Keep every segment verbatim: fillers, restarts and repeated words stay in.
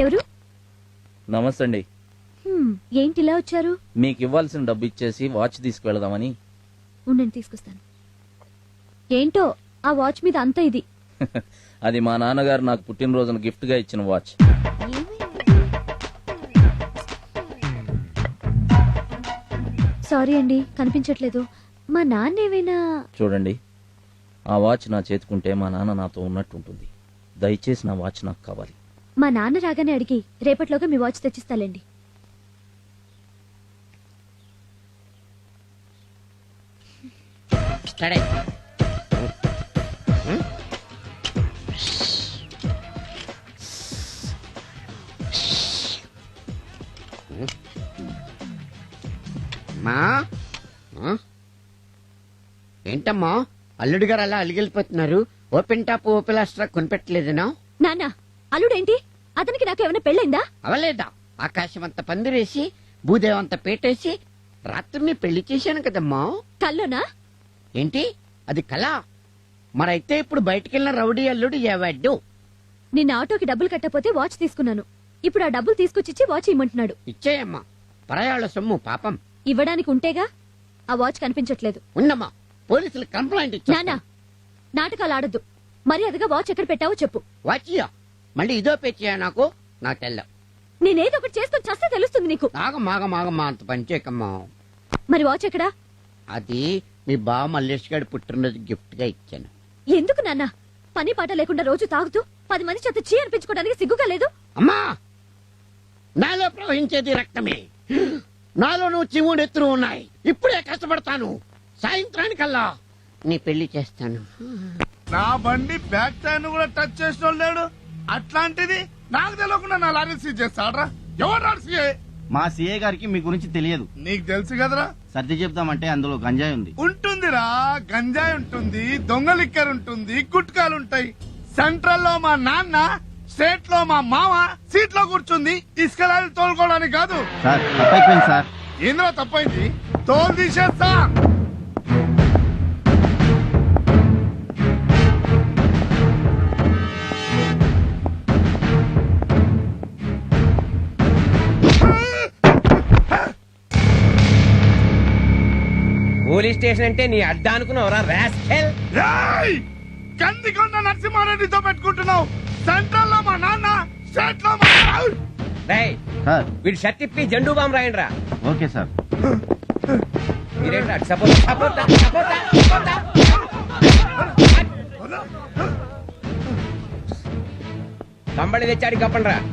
ఎవరు? నమస్తే అండి. ఏంటి ఇలా వచ్చారు? మీకు ఇవ్వాల్సిన డబ్బు ఇచ్చేసి వాచ్ తీసుకువెళదామని. ఉండండి, తీసుకొస్తాను. ఏంటో ఆ వాచ్ మీద అంత ఇది. అది మా నాన్నగారు నాకు పుట్టినరోజున గిఫ్ట్ గా ఇచ్చిన వాచ్. సారీ అండి, కనిపించట్లేదు. మా నాన్న ఏమైనా? చూడండి, ఆ వాచ్ నా చేతుకుంటే మా నాన్న నాతో ఉన్నట్టు ఉంటుంది. దయచేసి నా వాచ్ నాకు కావాలి. మా నాన్న రాగానే అడిగి రేపట్లోగా మీ వాచ్ తెచ్చిస్తాలేండి. ఏంటమ్మా అల్లుడు గారు అలా అలిగిలిపోతున్నారు? ఓపెన్ టాప్ ఓపెన్ లాస్ట్రా కొనిపెట్టలేదనా? నాన్న, అల్లుడేంటి? అతనికి నాకు ఏమైనా పెళ్ళైందా? అవలేదా? ఆకాశం అంత పందిరేసి భూదేవంత పేటేసి రాత్రిని పెళ్లి చేశాను కదమ్మా. కల్లోనా? ఏంటి అది కళ? మరైతే ఇప్పుడు బయటికెళ్ళిన రౌడీ అల్లుడు ఏవాడు? నిన్న ఆటోకి డబ్బులు కట్టపోతే వాచ్ తీసుకున్నాను. ఇప్పుడు ఆ డబ్బులు తీసుకొచ్చి వాచ్ ఇమ్మంటున్నాడు. ఇచ్చేయమ్మా, పరాయాళ్ళ సొమ్ము పాపం. ఇవ్వడానికి ఉంటేగా. ఆ వాచ్ కనిపించట్లేదు. ఉన్నమ్మా, పోలీసులు కంప్లైంట్ ఇచ్చా. నానా, నాటకాలు ఆడద్దు. మరి అదిగా వాచ్ ఎక్కడ పెట్టావో చెప్పు. వాచియా మళ్ళీ ఇదో పేచియా? నాకు నాకు తెల్ల. నేనేదో ఒకటి చేసుకుని చస్తే తెలుస్తుంది నీకు. ఆగమాగమాగమ్మా, అంత పనిచేయకమ్మా. మరి వాచ్ ఎక్కడా? అది మీ బావ మల్లేష్ గారి పుట్టినరోజు గిఫ్ట్ గా ఇచ్చాను. ఎందుకు నాన్న? పని పాట లేకుండా రోజు తాగుతూ పది మంది చేత చీ అనిపించుకోవడానికి సిగ్గుగా లేదు? అమ్మా, నాలో ప్రవహించేది రక్తమే. నాలో నువ్వు చివుడు ఎత్తులు ఉన్నాయి. ఇప్పుడే కష్టపడతాను. సాయంత్రానికల్లా నీ పెళ్లి చేస్తాను. నా బండి బ్యాక్ టైర్ కూడా టచ్ చేసిన లేడు. అట్లాంటిది నాకు తెలియకుండా నా లారీ సీజ్ చేస్తాడ్రా. ఎవరు సీఏ? మా సీఏ గారికి మీ గురించి తెలియదు. నీకు తెలుసు కదరా. సర్ది చెప్తామంటే అందులో గంజాయి ఉంది. ఉంటుందిరా, గంజాయి ఉంటుంది, దొంగ లిక్కర్ ఉంటుంది, గుట్కాలు ఉంటాయి. సెంట్రల్ లో మా నాన్న, స్టేట్ లో మా మామ సీట్ లో కూర్చుంది ఇసుక లారీ తోలుకోవడానికి కాదు. సార్ తప్పైపోయింది సార్. ఏంద్రా తప్పైంది? తోలు తీసేస్తా. పోలీస్ స్టేషన్ అంటే నీ అడ్డా అనుకున్నావురా రాస్కెల్. కందికొండ నరసింహారెడ్డితో పెట్టుకుంటున్నావు. సెంట్రల్ లో మా నాన్న, స్టేట్ లో మా రేయ్, సార్ వీడి షర్ట్ ఇప్పి జెండూ బాంబు రాయండి రా. Okay sir. మీరేంట్రా సపోర్ట్ సపోర్ట్ సపోర్ట్ కంబళి తెచ్చాడు కప్పండి రా.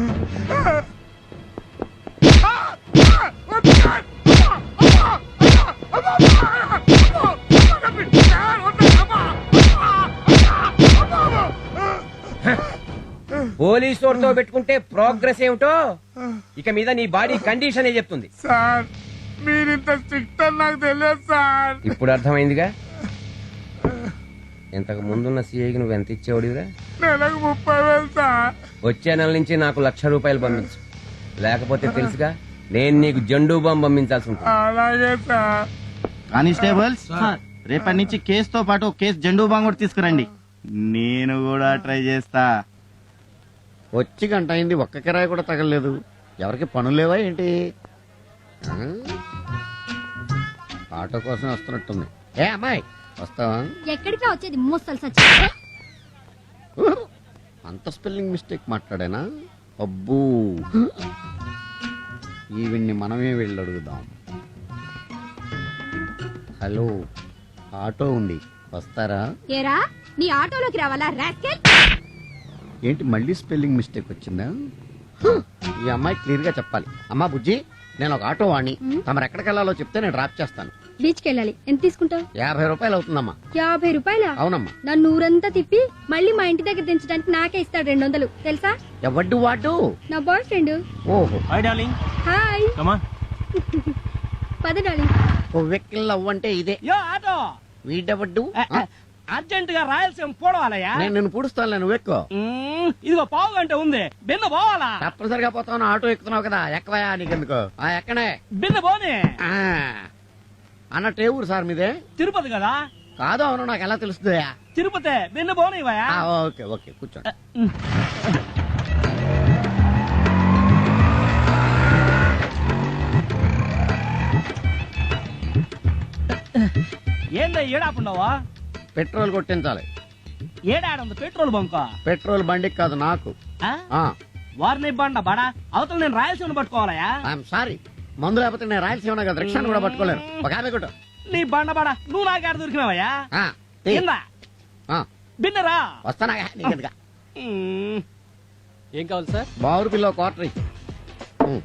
పోలీసు వాడితో పెట్టుకుంటే ప్రోగ్రెస్ ఏమిటో ఇక మీద నీ బాడీ కండిషన్ చెప్తుంది. సార్ మీరింత స్ట్రిక్ట్ అని నాకు తెలియదు సార్. ఇప్పుడు అర్థమైందిగా. ఇంతకు ముందున్న సీఐకి నువ్వు ఎంత ఇచ్చేవాడివిరా? నెలకు ముప్పై వేలు సార్. వచ్చే నెల నుంచి నాకు లక్ష రూపాయలు పంపించు, లేకపోతే తెలుసుగా నేను నీకు జెండూ బాంబు పంపించాల్సి ఉంటుంది. అలాగే సార్. కానిస్టేబుల్స్, రేపటి నుంచి కేసుతో పాటు కేసు జెండూ బాంబు కూడా తీసుకురండి. నేను కూడా ట్రై చేస్తా. వచ్చి గంట అయింది, ఒక్క కిరాయి కూడా తగలలేదు. ఎవరికి పనులు లేవా ఏంటి? ఆటో కోసం వస్తున్నట్టుంది. ఏ అమ్మాయి, వస్తావా? ఎక్కడికి వచ్చేది? మోస్తలు సచ్చి అంత స్పెల్లింగ్ మిస్టేక్ మాట్లాడేనా? అబ్బూ, ఈవిడ్ని మనమే వెళ్ళి అడుగుదాం. హలో, ఆటో ఉంది, వస్తారా? ఏరా, నీ ఆటోలోకి రావాలా రాస్కెల్? ఏంటి మళ్ళీ స్పెల్లింగ్ మిస్టేక్ వచ్చిందా? ఈ అమ్మాయి క్లియర్ గా చెప్పాలి. అమ్మా బుజ్జి, నేను ఒక ఆటో వాణ్ణి. తమరు ఎక్కడికి వెళ్ళాలో చెప్తే నేను డ్రాప్ చేస్తాను. బీచ్ కి వెళ్ళాలి. ఎంత తీసుకుంటావు? యాభై రూపాయలు అవుతుందమ్మా. యాభై రూపాయల? అవునమ్మా. నన్ను ఊరంతా తిప్పి మళ్ళీ మా ఇంటి దగ్గర దించడానికి నాకే ఇస్తాడు రెండు వందలు, తెలుసా? ఎవడ్డు వాడు? నా బాయ్ ఫ్రెండ్. ఓహో, hi darling. Hi. Come on. పద డార్లింగ్. ఓ వెక్కిల్ అవ్వంటే ఇదే. యో ఆటో, వీడెవడ్డు? అర్జెంట్ గా రాయలసీమ పోవాలయ్యా. నేను నిన్ను పూడుస్తాను, నువ్వు ఎక్కువ. ఇదిగో పావు గంట ఉంది, బిన్న పోవాలా? తప్పనిసరిగా పోతావు, ఆటో ఎక్కుతున్నావు కదా, ఎక్కవయా నీకెందుకు? ఆ ఎక్కనే. బిన్న పోనీ. అన్నట్టు ఏ ఊరు సార్ మీదే? తిరుపతి కదా. కాదు, అవును, నాకు ఎలా తెలుస్తుంది? తిరుపతి, బిన్న పోనీవయ్యా. ఓకే ఓకే, కూర్చోండి. ఏందా ఏడాపుండవా పెట్రోల్ కొట్టించాలి. ఏడాడుంది పెట్రోల్ బంక్ పెట్రోల్ బండికి కాదు నాకు. వారిని బండ బడా అవతల నేను రాయలసీమను పట్టుకోవాలయా. ఐఎమ్ సారీ, మందు లేకపోతే నేను రాయలసీమ కదా రిక్షాను కూడా పట్టుకోలేను. ఒక యాభై కొట్టు. నీ బండ బడా నువ్వు నాకాడ దొరికినావయ్యా. ఆ, తీ. ఏందా ఆ, బిన్నరా వస్తానా నీకెందుగా. ఏం కావాలి సార్? బావురు పిల్ల క్వార్టర్ ఇయ్యి. ఉమ్.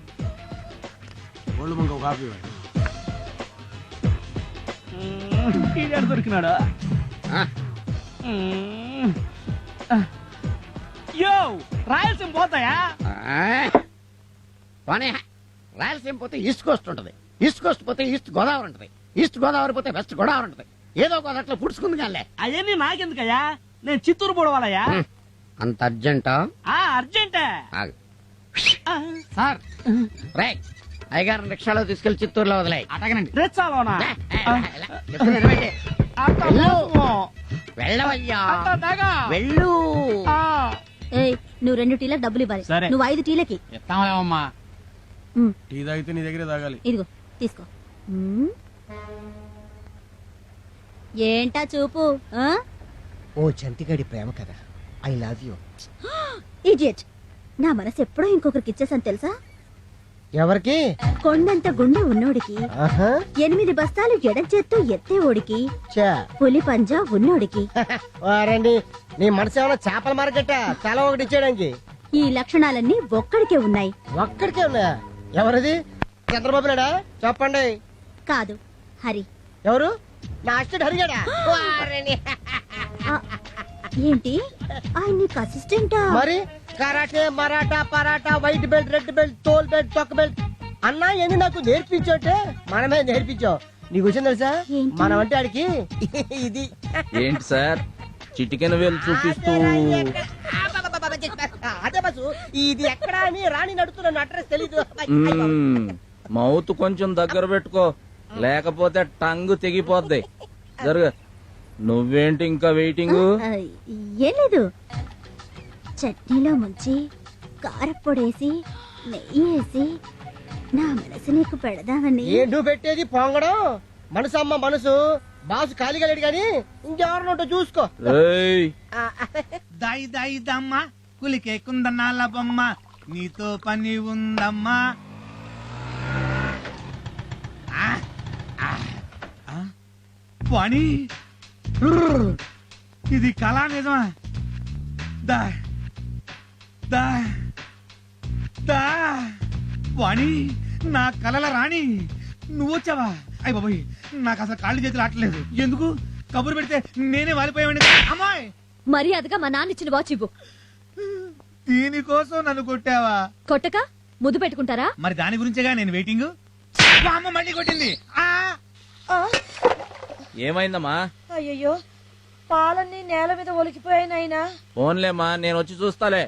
ఈడాడు దొరికినాడు. ఆ, యో రాయలసీమ పోతాయా? ఆ. పోనీ. రాయలసీమ పోతే ఈస్ట్ కోస్ట్ ఉంటది, ఈస్ట్ కోస్ట్ పోతే ఈస్ట్ గోదావరి ఉంటది, ఈస్ట్ గోదావరి పోతే వెస్ట్ గోదావరి ఉంటది. ఏదో గోదావరిలో పుడుచుకుంది కానీ. అవన్నీ నాకెందుకయ్యా, నేను చిత్తూరు పోవాలయ్యా. అంత అర్జెంటా? ఆ అర్జెంటే. ఆగు. సార్ రే, అయ్యగారు రిక్షాలో తీసుకెళ్లి చిత్తూరులో వదిలే. అటగనండి. రెచ్చాలోనా? వెళ్ళవయ్యా, వెళ్ళు. ఏయ్ నువ్వు రెండు టీలకు డబ్బులు ఇవ్వాలి. సరే. నువ్వు ఐదు టీలకి. ఎత్తామలేమమ్మా. ఉమ్, టీ తాగితే నీ దగ్గరే తాగాలి. ఇదిగో తీసుకో. ఉమ్. ఏంటా చూపు? ఓ చంటిగాడి ప్రేమ కదా, ఐ లవ్ యూ. ఇడియట్, నా మనసు ఎప్పుడో ఇంకొకరికి ఇచ్చేసాను తెలుసా? ఎవరికి? కొండంత గుండె ఉన్నోడికి, ఆహా. ఎనిమిది బస్తాలు ఎడం చేత్తో ఎత్తే ఓడికి, చా. పులి పంజా ఉన్నోడికి. వారండి, నీ మనసు ఏమైనా చేపల మార్కెట్ తల ఒకటి ఇచ్చేయడానికి? ఈ లక్షణాలన్నీ ఒక్కడికే ఉన్నాయి. ఒక్కడికే ఉన్నాయా? ఎవరిది? చంద్రబాబు నాయుడా? చెప్పండి. కాదు, హరి. ఎవరు? నా అసిస్టెంట్ హరిగాడా? వారిని. ఆ, ఏంటి ఆయన నీకు అసిస్టెంటా? మరి karate, Maratha, paratha, white belt, red belt, తోల్ బెల్ట్, తొక్క బెల్ట్ అన్నా ఎన్ని నాకు నేర్పించోటే మనమే నేర్పించావు. నీకు విషయం తెలుసా? ఏంటి? మనం అంటే ఆడికి ఇది. ఏంటి సార్ చిటికెన వేలు చూపిస్తూ? అదే బస్సు, ఇది ఎక్కడ అని రాణి నడుతున్న అడ్రస్ తెలీదు. మ్మ్. మౌత్ కొంచెం దగ్గర పెట్టుకో, లేకపోతే టంగ్ తెగిపోద్ది. జరుగ. నువ్వేంటి ఇంకా వెయిటింగ్? ఆ, ఏం లేదు, చట్నీలో ముంచి కారప్పొడేసి నెయ్యి వేసి నా మనసు నీకు పెడదామని. ఏంటూ పెట్టేది పొంగడం? మనసు అమ్మ మనసు. బాసు ఖాళీగా లేడు గాని ఇంకెవరినోటో చూసుకో. ఏయ్, దాయి దాయి దమ్మ కులికే కుందనాల బొమ్మ నీతో పని ఉందమ్మా. ఆ, ఆ, ఆ, పని రుర్ర్. ఇది కళా నిజమా? దా దా దా వాణి, నా కలల రాణి నువ్వు వచ్చావా? అయ్య బాబోయ్, నాకు అసలు కాళ్ళు చేతులు ఆటలేదు. ఎందుకు కబురు పెడితే నేనే వాలిపోయావండి. అమ్మాయి, మర్యాదగా మా నాన్న ఇచ్చిన వాచ్ ఇవ్వు. దీనికోసం నన్ను కొట్టావా? కొట్టక ముద్దు పెట్టుకుంటారా? మరి దాని గురించేగా నేను వెయిటింగ్. మా అమ్మ మళ్ళీ కొట్టింది. ఆ ఏమైందమ్మా? అయ్యయ్యో, పాలన్నీ నేల మీద ఒలికిపోయాయి నాయనా. ఫోన్లేమ్మా, నేను వచ్చి చూస్తాలే.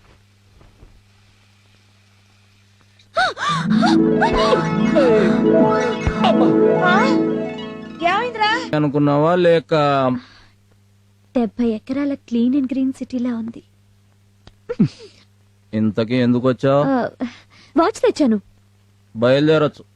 ఏమైందిరా? అనుకున్నావా లేక? డెబ్బై ఎకరాల క్లీన్ అండ్ గ్రీన్ సిటీలా ఉంది. ఇంతకీ ఎందుకు వచ్చావు? ఆ, వాచ్ తెచ్చాను. బయలుదేరొచ్చు.